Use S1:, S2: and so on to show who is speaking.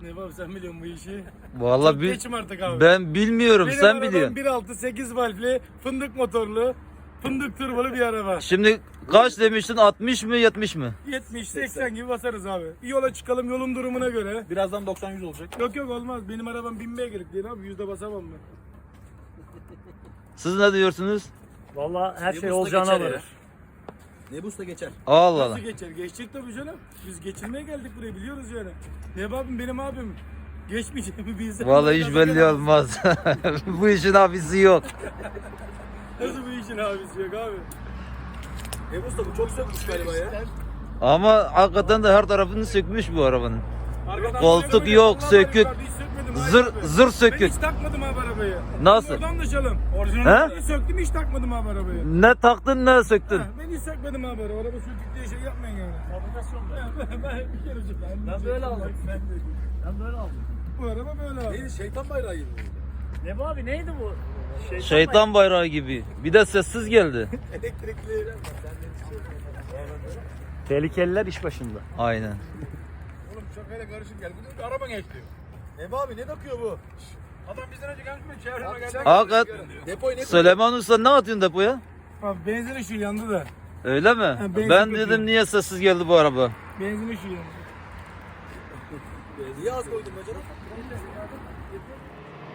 S1: Ne var sen biliyorsun bu işi.
S2: Vallahi
S1: Çok geçim artık abi.
S2: ben bilmiyorum,
S1: Benim
S2: sen
S1: arabam
S2: biliyorsun.
S1: 1.6 8 valvli fındık motorlu fındık turbalı bir araba.
S2: Şimdi kaç demiştin, 60 mı 70 mi?
S1: 70-80 gibi basarız abi. Bir yola çıkalım yolun durumuna göre.
S3: Birazdan 90-100 olacak.
S1: Yok olmaz. Benim arabam 1000 beygirlik değil abi. Yüzde basamam ben.
S2: Siz ne diyorsunuz?
S4: Vallahi her şey
S3: Nebus'ta
S4: olacağına
S3: geçer ya.
S4: varır.
S3: Nebus'ta geçer.
S2: Allah Allah.
S1: Nasıl geçer? Geçecek tabii canım. Biz geçirmeye geldik buraya biliyoruz yani. Ne abim benim abim. Geçmeyeceğimi bilsem.
S2: Vallahi hiç belli olmaz. Bu işin abisi yok.
S1: Nasıl bu işin abisi yok abi?
S3: Nebus'ta bu çok sökmüş galiba ya.
S2: Ama hakikaten de her tarafını sökmüş bu arabanın.
S1: Arkadan
S2: Koltuk
S1: böyle
S2: yok,
S1: Allah
S2: sökük.
S1: var, hiç sökmedim, hayır
S2: Zır
S1: abi.
S2: zır
S1: Ben
S2: sökük.
S1: hiç takmadım abi arabayı.
S2: Nasıl?
S1: Oradan anlaşalım.
S2: He?
S1: Orijinalini söktüm hiç takmadım abi arabayı.
S2: Ne taktın ne söktün?
S1: Ha, ben hiç sökmedim abi arabayı. Araba sökük diye şey yapmayın yani.
S4: Fabrikasyon da.
S1: Ben bir kere söktüm.
S4: Ben böyle aldım. Ben böyle aldım.
S1: Bu araba böyle abi.
S3: Neydi şeytan bayrağı gibi.
S4: Ne bu abi neydi bu?
S2: Şeytan bayrağı gibi. Bir de sessiz geldi.
S3: Elektrikli.
S4: Tehlikeliler iş başında.
S2: Aynen.
S1: Oğlum şakayla karışık geldi. Diyor ki araba geçti.
S3: Neba abi ne takıyor bu?
S1: Adam bizden önce gelmiş mi? Çevreme geldi.
S2: Hakikat.
S3: Depoyu ne
S2: Süleyman Usta ne atıyorsun depoya?
S1: Abi benzin ışığı yandı da.
S2: Öyle mi?
S1: benzin
S2: Ben
S1: kötü.
S2: dedim niye sessiz geldi bu araba?
S1: Benzin ışığı yandı.
S3: Niye az koydun bacana?